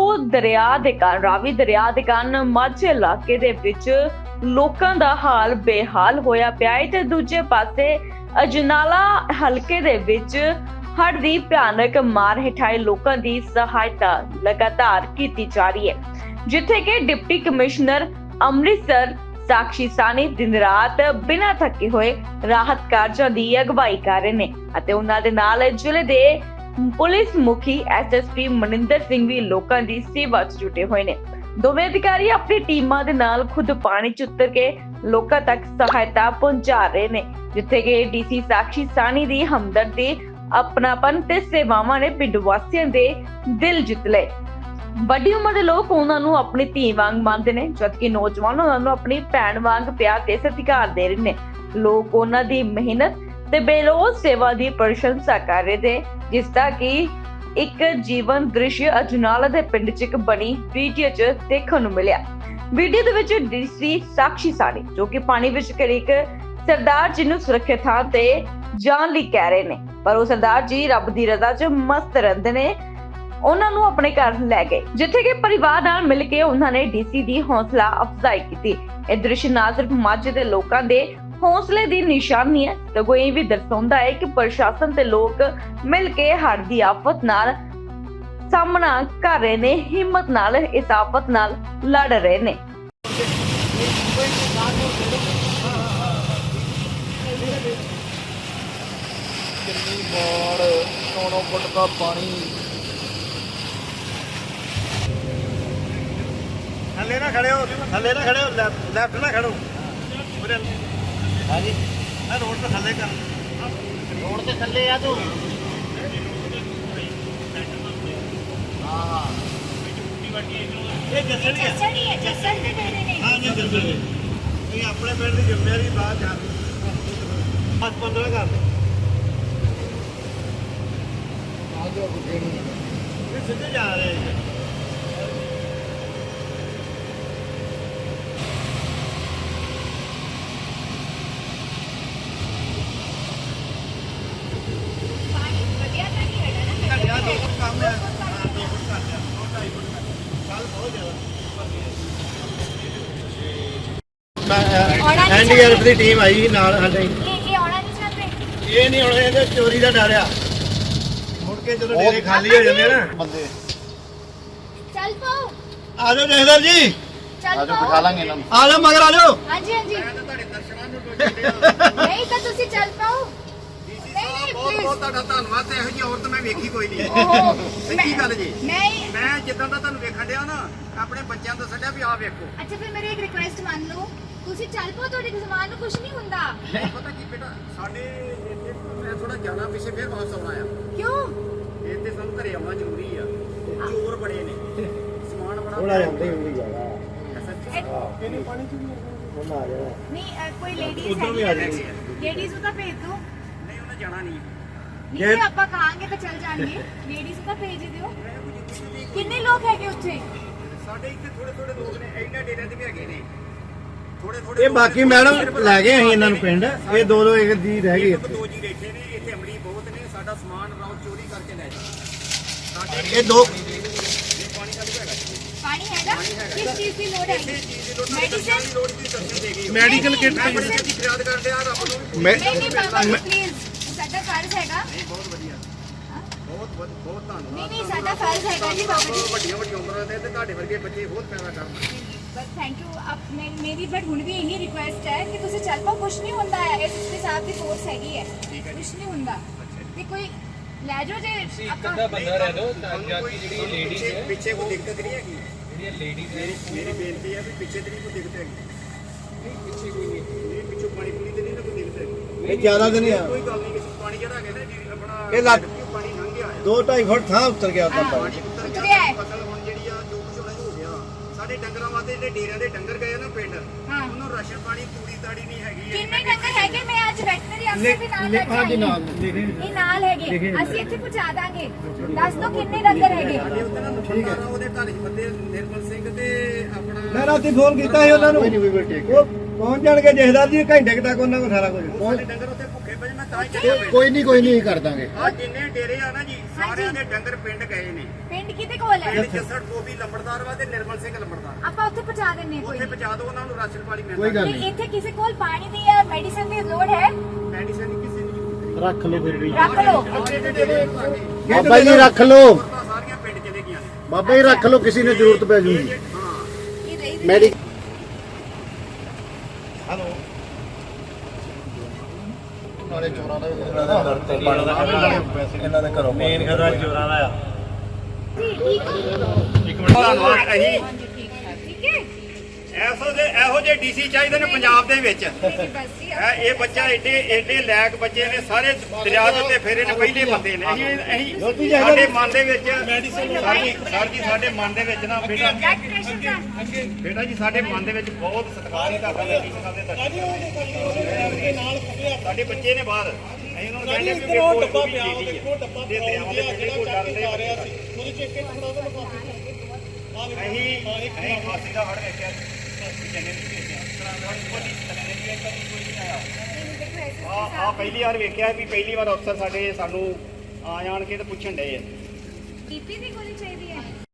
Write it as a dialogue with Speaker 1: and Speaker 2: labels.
Speaker 1: ਰਾਵੀ ਦਰਿਆ ਦੇ ਕਾਰਨ ਮਾਝੇ ਇਲਾਕੇ ਦੇ ਵਿੱਚ ਲੋਕਾਂ ਦਾ ਹਾਲ ਬੇਹਾਲ ਹੋਇਆ ਪਿਆ ਹੈ ਤੇ ਦੂਜੇ ਪਾਸੇ ਅਜਨਾਲਾ ਹਲਕੇ ਦੇ ਵਿੱਚ ਹੜ੍ਹ ਦੀ ਭਿਆਨਕ ਮਾਰ ਹੇਠਾਂ ਲੋਕਾਂ ਦੀ ਸਹਾਇਤਾ ਲਗਾਤਾਰ ਕੀਤੀ ਜਾ ਰਹੀ ਹੈ, ਜਿੱਥੇ ਕਿ ਡਿਪਟੀ ਕਮਿਸ਼ਨਰ ਅੰਮ੍ਰਿਤਸਰ ਸਾਕਸ਼ੀ ਸਾਨੀ ਦਿਨ ਰਾਤ ਬਿਨਾਂ ਥੱਕੇ ਹੋਏ ਰਾਹਤ ਕਾਰਜਾਂ ਦੀ ਅਗਵਾਈ ਕਰ ਰਹੇ ਨੇ ਅਤੇ ਉਹਨਾਂ ਦੇ ਨਾਲ ਜ਼ਿਲ੍ਹੇ ਦੇ ਪੁਲਿਸ ਮੁਖੀ ਐਸਐਸਪੀ ਮਨਿੰਦਰ ਸਿੰਘ ਵੀ ਲੋਕਾਂ ਦੀ ਸੇਵਾ 'ਚ ਜੁਟੇ ਹੋਏ ਨੇ। ਦੋਵੇਂ ਅਧਿਕਾਰੀ ਆਪਣੀ ਟੀਮਾਂ ਦੇ ਨਾਲ ਖੁਦ ਪਾਣੀ 'ਚ ਉਤਰ ਕੇ ਲੋਕਾਂ ਤੱਕ ਸਹਾਇਤਾ ਪਹੁੰਚਾ ਰਹੇ ਨੇ, ਜਿੱਥੇ ਕਿ ਡੀਸੀ ਸਾਕਸ਼ੀ ਸਾਨੀ ਦੀ ਹਮਦਰਦੀ, ਆਪਣਾਪਨ ਤੇ ਸੇਵਾਵਾਂ ਨੇ ਪਿੰਡ ਵਾਸੀਆਂ ਦੇ ਦਿਲ ਜਿੱਤ ਲਏ। ਵੱਡੀ ਉਮਰ ਦੇ ਲੋਕ ਉਹਨਾਂ ਨੂੰ ਆਪਣੀ ਧੀ ਵਾਂਗ ਮੰਨਦੇ ਨੇ, ਜਦਕਿ ਨੌਜਵਾਨ ਉਹਨਾਂ ਨੂੰ ਆਪਣੀ ਭੈਣ ਵਾਂਗ ਪਿਆਰ ਤੇ ਸਤਿਕਾਰ ਦੇ ਰਹੇ ਨੇ। ਲੋਕ ਉਹਨਾਂ ਦੀ ਮਿਹਨਤ ਤੇ ਬੇਲੋਸ ਸੇਵਾ ਦੀ ਪ੍ਰਸ਼ੰਸਾ ਕਰ ਰਹੇ ਨੇ, ਜਿਸ ਦਾ ਕਿ ਇੱਕ ਜੀਵਨ ਦ੍ਰਿਸ਼ ਅਜਨਾਲਾ ਦੇ ਪਿੰਡ 'ਚ ਇੱਕ ਬਣੀ ਵੀਡੀਓ 'ਚ ਦੇਖਣ ਨੂੰ ਮਿਲਿਆ। ਵੀਡੀਓ ਦੇ ਵਿੱਚ ਡੀਸੀ ਸਾਕਸ਼ੀ ਸਾਨੀ ਜੋ ਕਿ ਪਾਣੀ ਵਿੱਚ ਘਿਰੇ ਇੱਕ ਸਰਦਾਰ ਜੀ ਨੂੰ ਸੁਰੱਖਿਅਤ ਥਾਂ ਤੇ ਜਾਣ ਲਈ ਕਹਿ ਰਹੇ ਨੇ, ਪਰ ਉਹ ਸਰਦਾਰ ਜੀ ਰੱਬ ਦੀ ਰਜ਼ਾ 'ਚ ਮਸਤ ਰਹਿੰਦੇ ਨੇ। ਉਹਨਾਂ ਨੂੰ ਆਪਣੇ ਘਰ ਲੈ ਗਏ, ਜਿੱਥੇ ਕਿ ਪਰਿਵਾਰ ਨਾਲ ਮਿਲ ਕੇ ਉਹਨਾਂ ਨੇ ਡੀਸੀ ਦੀ ਹੌਸਲਾ ਅਫਜ਼ਾਈ ਕੀਤੀ। ਇਹ ਦ੍ਰਿਸ਼ ਨਾ ਸਿਰਫ ਮਾਝੇ ਦੇ ਲੋਕਾਂ ਦੇ ਹੌਸਲੇ ਦੀ ਨਿਸ਼ਾਨੀ ਹੈ, ਸਗੋਂ ਇਹ ਵੀ ਦਰਸਾਉਂਦਾ ਹੈ ਕਿ ਪ੍ਰਸ਼ਾਸਨ ਤੇ ਲੋਕ ਮਿਲ ਕੇ ਹੜ੍ਹ ਦੀ ਆਫਤ ਨਾਲ ਸਾਹਮਣਾ ਕਰ ਰਹੇ ਨੇ, ਹਿੰਮਤ ਨਾਲ ਇਸ ਆਫਤ ਨਾਲ ਲੜ ਰਹੇ ਨੇ।
Speaker 2: ਕਿੰਨੀ ਬਾੜ 9 ਫੁੱਟ ਦਾ ਪਾਣੀ।
Speaker 3: ਥੱਲੇ ਨਾ ਖੜੇ ਹੋ, ਲੈਫਟ ਨਾ ਖੜੋ।
Speaker 2: ਹਾਂਜੀ,
Speaker 3: ਮੈਂ ਰੋਡ ਤੇ ਥੱਲੇ ਕਰ,
Speaker 2: ਰੋਡ ਤੇ ਥੱਲੇ ਆ ਤੂੰ। ਹਾਂ
Speaker 3: ਇਹ ਜੱਸੜੀ ਹੈ।
Speaker 4: ਜੱਸੜ ਦੇ ਡੇਰੇ ਨੇ।
Speaker 3: ਹਾਂ ਜੀ, ਜੱਸੜੀ ਇਹ ਆਪਣੇ ਪਿੰਡ ਦੀ ਜ਼ਿੰਮੇਵਾਰੀ ਬਾਅਦ ਜਾ 15 ਕਰ ਦੇ। ਇਹ ਸਿੱਧੇ ਜਾ ਰਹੇ ਹੈ।
Speaker 4: ਪਾਣੀ ਵਧੀਆ ਤਾਂ ਨਹੀਂ ਹੈਗਾ ਨਾ।
Speaker 3: ਘਟਿਆ 2 ਫੁੱਟ ਕੰਮ ਹੈ। ਹਾਂ 2 ਫੁੱਟ ਕਰ ਲਿਆ, 2.5 ਫੁੱਟ ਕਰ ਲਿਆ। ਕੱਲ ਬਹੁਤ ਜ਼ਿਆਦਾ ਮੈਂ ਐਨਡੀਆਰਐਫ ਦੀ ਟੀਮ ਆਈ ਸੀ ਨਾਲ ਸਾਡੇ।
Speaker 4: ਇਹ ਆਉਣਾ ਨਹੀਂ ਚਾਹਤੇ।
Speaker 3: ਇਹ ਨਹੀਂ ਹੁਣ ਇਹਦੇ ਚੋਰੀ ਦਾ ਡਰ ਆ, ਮੁੜ ਕੇ ਜਦੋਂ ਡੇਰੇ ਖਾਲੀ ਹੋ ਜਾਂਦੇ ਆ ਨਾ।
Speaker 2: ਬੰਦੇ
Speaker 4: ਚੱਲ ਪਾਓ,
Speaker 3: ਆ ਜਾਓ ਜਹਦਰ ਜੀ,
Speaker 4: ਚੱਲ
Speaker 2: ਆਜੋ
Speaker 4: ਪਾਓ।
Speaker 2: ਬਿਠਾ ਲਾਂਗੇ ਇਹਨਾਂ ਨੂੰ।
Speaker 3: ਆ ਜਾਓ ਮਗਰ ਆ ਜਾਓ।
Speaker 4: ਹਾਂਜੀ ਹਾਂਜੀ।
Speaker 3: ਤੁਹਾਡੇ ਦਰਸ਼ਨਾਂ ਨੂੰ ਟੋਚਦੇ
Speaker 4: ਨਹੀਂ ਤਾਂ ਤੁਸੀਂ ਚੱਲ ਪਾਓ।
Speaker 3: ਡੀਸੀ
Speaker 4: ਨਹੀਂ,
Speaker 3: ਸਾਹਿਬ
Speaker 4: ਨਹੀਂ,
Speaker 3: ਬਹੁਤ
Speaker 4: please।
Speaker 3: ਬਹੁਤ ਤੁਹਾਡਾ ਧੰਨਵਾਦ ਤੇ ਇਹੋ ਜਿਹੀ ਔਰਤ ਮੈਂ ਵੇਖੀ ਕੋਈ ਨਹੀਂ।
Speaker 4: ਓਹੋ,
Speaker 3: ਸੱਚੀ ਗੱਲ ਜੀ।
Speaker 4: ਮੈਂ
Speaker 3: ਜਿੱਦਾਂ ਦਾ ਤੁਹਾਨੂੰ ਵੇਖਣ ਡਿਆ ਨਾ, ਆਪਣੇ ਬੱਚਿਆਂ ਤੋਂ ਸੱਡਿਆ ਵੀ ਆਹ ਵੇਖੋ।
Speaker 4: ਅੱਛਾ ਫਿਰ ਮੇਰੀ ਇੱਕ ਰਿਕੁਐਸਟ ਮੰਨ ਲਓ, ਤੁਸੀਂ ਚੱਲ ਪਾਓ, ਤੁਹਾਡੇ ਜ਼ਮਾਨ ਨੂੰ ਕੁਝ ਨਹੀਂ ਹੁੰਦਾ।
Speaker 3: ਪਤਾ ਕੀ ਬੇਟਾ, ਸਾਡੇ ਇੱਥੇ ਮੈਂ ਥੋੜਾ ਜਾਣਾ ਪਿੱਛੇ ਫਿਰ ਵਾਪਸ ਆਉਣਾ ਆ।
Speaker 4: ਕਿਉਂ?
Speaker 3: ਇੱਥੇ ਸਾਨੂੰ ਘਰੇ ਆਉਣਾ ਜ਼ਰੂਰੀ ਆ, ਚੋਰ ਬੜੇ ਨੇ, ਸਮਾਨ ਬੜਾ
Speaker 5: ਥੋੜਾ ਜਾਂਦੇ ਹੁੰਦੀ ਜਾਣਾ
Speaker 3: ਕਿੰਨੇ ਪਾਣੀ ਚ
Speaker 5: ਉਹਨਾਂ ਆ ਜਾਣਾ।
Speaker 4: ਨਹੀਂ ਕੋਈ ਲੇਡੀਜ਼
Speaker 3: ਉੱਧਰੋਂ ਵੀ ਆ ਜਾਣਗੇ।
Speaker 4: ਲੇਡੀਜ਼ ਨੂੰ ਤਾਂ ਭੇਜ ਦਿਓ।
Speaker 3: ਨਹੀਂ ਉਹਨੇ ਜਾਣਾ ਨਹੀਂ।
Speaker 4: ਨਹੀਂ ਜੇ ਆਪਾਂ ਕਹਾਂਗੇ ਤਾਂ ਚੱਲ ਜਾਣਗੇ। ਲੇਡੀਜ਼ ਨੂੰ ਤਾਂ ਭੇਜ ਹੀ ਦਿਓ। ਕਿੰਨੇ ਲੋਕ ਹੈਗੇ ਉੱਥੇ?
Speaker 3: ਸਾਡੇ ਇੱਥੇ ਥੋੜੇ ਥੋੜੇ ਲੋਕ ਨੇ, ਇਹਨਾਂ ਡੇਰਿਆਂ ਤੇ ਵੀ ਹੈਗੇ ਨੇ ਥੋੜੇ ਥੋੜੇ।
Speaker 5: ਇਹ ਬਾਕੀ ਮੈਡਮ ਲੈ ਗਏ ਅਸੀਂ ਇਹਨਾਂ ਨੂੰ ਪਿੰਡ, ਇਹ ਦੋ ਇੱਕ ਦੀ ਰਹਿ ਗਈ ਇੱਥੇ।
Speaker 3: 2 ਜੀ ਬੈਠੇ ਨੇ ਇੱਥੇ, ਅਮਲੀ ਬਹੁਤ ਨੇ। ਸਾਡਾ ਸਮਾਨ ਰਾਉ ਚੋਰੀ ਕਰਕੇ ਲੈ ਜਾਂਦੇ ਸਾਡੇ।
Speaker 5: ਇਹ ਦੋ
Speaker 3: ਪਾਣੀ ਕੱਢ ਕੇ ਹੈਗਾ ਜੀ।
Speaker 4: ਪਾਣੀ ਹੈਗਾ? ਕਿਸ ਚੀਜ਼ ਦੀ ਲੋੜ ਹੈ?
Speaker 3: ਕਿਸੇ ਚੀਜ਼ ਦੀ ਲੋੜ ਨਹੀਂ,
Speaker 4: ਮੈਡੀਸਨ?
Speaker 3: ਦਰਸ਼ਨ ਦੀ ਲੋੜ ਦੀ ਦਰਸ਼ਨ ਦੇ ਗਈ।
Speaker 5: ਮੈਡੀਕਲ ਕਿੱਟ
Speaker 3: ਮੈਂ ਬੜੀ ਛੇਤੀ ਫਰਿਆਦ ਕਰਦੇ ਆ ਰੱਬ ਨੂੰ।
Speaker 4: ਨਹੀਂ ਨਹੀਂ ਬਾਬਾ ਜੀ ਪਲੀਜ਼, ਸਾਡਾ ਫਰਜ਼ ਹੈਗਾ।
Speaker 3: ਨਹੀਂ ਬਹੁਤ ਵਧੀਆ, ਬਹੁਤ ਬਹੁਤ ਬਹੁਤ ਧੰਨਵਾਦ।
Speaker 4: ਨਹੀਂ ਨਹੀਂ ਸਾਡਾ ਫਰਜ਼ ਹੈਗਾ ਜੀ ਬਾਬਾ ਜੀ।
Speaker 3: ਵੱਡੀਆਂ ਵੱਡੀਆਂ ਉਮਰਾਂ ਦੇ ਤੇ ਤੁਹਾਡੇ ਵਰਗੇ ਬੱਚੇ ਬਹੁਤ ਪੈਦਾ ਕਰਨ।
Speaker 4: ਬਸ ਥੈਂਕ ਯੂ। ਮੇਰੀ ਬਟ ਹੁਣ ਵੀ ਇਹੀ ਰਿਕੁਐਸਟ ਹੈ ਕਿ ਤੁਸੀਂ ਚੱਲ ਪਾਓ, ਕੁਝ ਨਹੀਂ ਹੁੰਦਾ ਹੈ। ਇਹ ਸਿੱਧੇ ਸਾਹਿਬ ਦੀ ਫੋਰਸ ਹੈਗੀ ਹੈ, ਕੁਝ ਨਹੀਂ ਹੁੰਦਾ। ਤੇ ਕੋਈ ਲੈ ਜਾਓ ਜੇ ਆਪਾਂ।
Speaker 6: ਬੰਦਾ ਰਹਿ ਲੋ ਤਾਂ ਕਿ ਜਿਹੜੀ ਲੇਡੀਜ਼ ਹੈ
Speaker 3: ਪਿੱਛੇ ਕੋਈ ਦਿੱਕਤ ਨਹੀਂ ਹੈਗੀ।
Speaker 6: ਜਿਹੜੀਆਂ ਲੇਡੀਜ਼ ਹੈ
Speaker 3: ਮੇਰੀ ਬੇਨਤੀ ਹੈ ਵੀ ਪਿੱਛੇ ਤੇ ਨਹੀਂ ਕੋਈ ਦਿੱਕਤ ਹੈਗੀ।
Speaker 6: ਪਿੱਛੇ ਕੋਈ ਨਹੀਂ।
Speaker 3: ਇਹ ਪਿੱਛੋਂ ਪਾਣੀ ਪੂਰੀ ਤੇ ਨਹੀਂ ਨਾ ਕੋਈ ਦਿੱਕਤ ਹੈਗੀ।
Speaker 5: ਇਹ ਜ਼ਿਆਦਾ ਦਿਨ ਆ।
Speaker 3: ਕੋਈ ਗੱਲ ਨਹੀਂ, ਕਿਸੇ ਪਾਣੀ ਜਿਹੜਾ ਹੈਗਾ ਨਾ ਜੀ ਆਪਣਾ
Speaker 5: ਇਹ ਲੱਗ
Speaker 3: ਪਾਣੀ ਲੰਘ ਗਿਆ ਹੈ।
Speaker 5: 2-2.5 ਫੁੱਟ ਥਾਂ ਉੱਤਰ ਗਿਆ ਉਹਦਾ ਪਾਣੀ।
Speaker 3: ਪਾਣੀ ਉੱਤਰ
Speaker 4: ਉੱਤਰ
Speaker 3: ਗਿਆ।
Speaker 4: ਗਿਆ ਹੈ।
Speaker 3: ਫਸਲ ਹੁਣ ਜਿਹੜੀ ਆ ਜੋ ਕੁਝ ਹੋਣਾ ਹੋ ਗਿਆ। ਸਾਡੇ ਡੰਗਰਾਂ ਵਾਸਤੇ ਜਿਹੜੇ ਡੇਰਿਆਂ ਦੇ ਡੰਗਰ ਗਏ ਨਾ ਪਿੰਡ,
Speaker 4: ਹਾਂ।
Speaker 3: ਉਹਨੂੰ ਰਾਸ਼ਨ ਪਾਣੀ ਤੂੜੀ ਤਾੜੀ ਨਹੀਂ ਹੈਗੀ।
Speaker 4: ਕਿੰਨੇ ਡੰਗਰ ਹੈਗੇ? ਮੈਂ ਅੱਜ ਵੈਟਰਨਰੀ ਅਫਸਰ ਵੀ ਨਾਲ ਲੈ ਕੇ
Speaker 5: ਹਾਂਜੀ
Speaker 4: ਆਈ ਹਾਂ।
Speaker 5: ਨਾਲ ਲਿਖੇ
Speaker 4: ਇਹ ਨਾਲ ਹੈਗੇ, ਅਸੀਂ ਇੱਥੇ ਪਹੁੰਚਾ ਦਾਂਗੇ। ਦੱਸ ਦਿਓ ਕਿੰਨੇ ਡੰਗਰ ਹੈਗੇ।
Speaker 3: ਸਾਡੇ ਉੱਤੇ ਨਾ ਬੰਦਾ ਨਾ ਉਹਦੇ ਘਰ 'ਚ ਬੰਦੇ ਨਿਰਮਲ ਸਿੰਘ ਤੇ ਆਪਣਾ
Speaker 5: ਮੈਂ ਰਾਤੀ ਫੋਨ ਕੀਤਾ ਸੀ ਉਹਨਾਂ ਨੂੰ, ਉਹ ਪਹੁੰਚ ਜਾਣਗੇ ਜਹਦਾਰ ਜੀ ਘੰਟੇ ਕੁ ਤੱਕ ਉਹਨਾਂ ਕੋਲ ਸਾਰਾ ਕੁਝ।
Speaker 3: ਸਾਡੇ ਡੰਗਰ ਉੱਤੇ ਭੁੱਖੇ ਪਏ, ਮੈਂ ਤਾਂ ਹੀ ਚੱਲਿਆ ਪਿੰਡ।
Speaker 5: ਕੋਈ ਨਹੀਂ ਕਰ ਦਾਂਗੇ।
Speaker 3: ਆ ਜਿੰਨੇ ਡੇਰੇ ਆ ਨਾ ਜੀ, ਸਾਰਿਆਂ ਦੇ ਡੰਗਰ ਪਿੰਡ ਗਏ ਨੇ।
Speaker 4: ਪਿੰਡ ਪਿੰਡ ਕਿਹਦੇ ਕੋਲ ਹੈ?
Speaker 3: ਪਿੰਡ ਜੱਸੜ ਗੋਬੀ ਲੰਬੜਦਾਰ ਵਾ ਤੇ ਨਿਰਮਲ ਸਿੰਘ ਲੰਬੜਦਾਰ।
Speaker 4: ਆਪਾਂ ਉੱਥੇ ਪਹੁੰਚਾ ਦਿੰਨੇ ਹਾਂ ਕੋਈ
Speaker 3: ਉੱਥੇ ਪਹੁੰਚਾ ਦਿਓ ਉਹਨਾਂ ਨੂੰ ਰਾਸ਼ਨ ਪਾਣੀ
Speaker 5: ਕੋਈ
Speaker 3: ਮਿਲਦਾ।
Speaker 5: ਗੱਲ
Speaker 4: ਤੇ
Speaker 5: ਨਹੀਂ।
Speaker 4: ਇੱਥੇ ਕਿਸੇ ਕੋਲ ਪਾਣੀ ਦੀ ਜਾਂ ਮੈਡੀਸਨ ਦੀ ਲੋੜ ਹੈ?
Speaker 3: ਮੈਡੀਸਨ ਦੀ ਕਿਸੇ ਦੀ ਜ਼ਰੂਰਤ
Speaker 5: ਰੱਖ ਲਓ ਫਿਰ ਵੀ
Speaker 4: ਰੱਖ ਲਓ।
Speaker 5: ਬਾਬਾ ਜੀ ਰੱਖ ਲਓ,
Speaker 3: ਨਹੀਂ। ਸਾਰੀਆਂ ਪਿੰਡ ਚਲੇ ਗਈਆਂ ਨੇ।
Speaker 5: ਬਾਬਾ ਜੀ ਰੱਖ ਲਓ, ਕਿਸੇ ਨੂੰ ਜ਼ਰੂਰਤ ਪੈ ਜੂਗੀ।
Speaker 4: ਇਹ ਰਹੀ
Speaker 5: ਮੈਡੀ
Speaker 3: ਹਲੋ
Speaker 5: ਨਾਲੇ ਚੋਰਾਂ ਦਾ ਇਹਨਾਂ ਦੇ ਘਰੋਂ ਮੇਨ ਘਰ ਚੋਰਾਂ ਦਾ ਆ।
Speaker 3: ਇੱਕ ਮਿੰਟ ਧੰਨਵਾਦ। ਅਸੀਂ
Speaker 4: ਠੀਕ ਹੈ
Speaker 3: ਇਹੋ ਜਿਹੇ ਡੀਸੀ ਚਾਹੀਦੇ ਨੇ ਪੰਜਾਬ ਦੇ ਵਿੱਚ।
Speaker 4: ਬਸ ਜੀ
Speaker 3: ਇਹ ਬੱਚਾ ਏਡੇ ਲੈਕ ਬੱਚੇ ਨੇ, ਸਾਰੇ ਦਰਿਆ ਦੇ ਉੱਤੇ ਫੇਰੇ ਨੇ, ਪਹਿਲੇ ਬੰਦੇ ਨੇ। ਅਸੀਂ ਸਾਡੇ ਮਨ ਦੇ ਵਿੱਚ ਸਰ ਜੀ ਸਾਡੇ ਮਨ ਦੇ ਵਿੱਚ ਨਾ ਬੇਟਾ
Speaker 4: ਬਲੱਡ ਪ੍ਰੈਸ਼ਰ ਦਾ
Speaker 3: ਬੇਟਾ ਜੀ ਸਾਡੇ ਮਨ ਦੇ ਵਿੱਚ ਬਹੁਤ ਸਤਿਕਾਰ ਹੈ ਤੁਹਾਡਾ ਡੀਸੀ ਸਾਹਿਬ ਦੇ ਸਾਡੇ ਬੱਚੇ ਨੇ ਬਾਹਰ। ਅਸੀਂ ਉਹਨਾਂ ਨੂੰ ਕਹਿੰਦੇ ਕਿ ਦੇਖੋ ਡੱਬਾ ਪਿਆ ਦੇਖੋ ਡੱਬਾ ਦੇ ਦਰਿਆਵਾਂ ਦੇ ਜਿਹੜੇ ਕੋਈ ਡਰਦੇ ਆ ਰਿਹਾ ਸੀ ਉਹਦੇ ਚ ਇੱਕ ਫੜਾ ਦੋ ਲਿਫਾਫੇ ਅਸੀਂ ਫਾਸੀ ਦਾ ਹੜ ਵੇਖਿਆ ਜੰਨੇ ਨਹੀਂ ਵੇਖਿਆ ਆ ਪਹਿਲੀ ਵਾਰ ਵੇਖਿਆ ਵੀ ਪਹਿਲੀ ਵਾਰ ਅਫਸਰ ਸਾਡੇ ਸਾਨੂੰ ਆ ਜਾਣ ਕੇ ਤੇ ਪੁੱਛਣ ਡਏ ਆ।
Speaker 4: ਬੀਪੀ ਦੀ ਗੋਲੀ ਚਾਹੀਦੀ ਹੈ?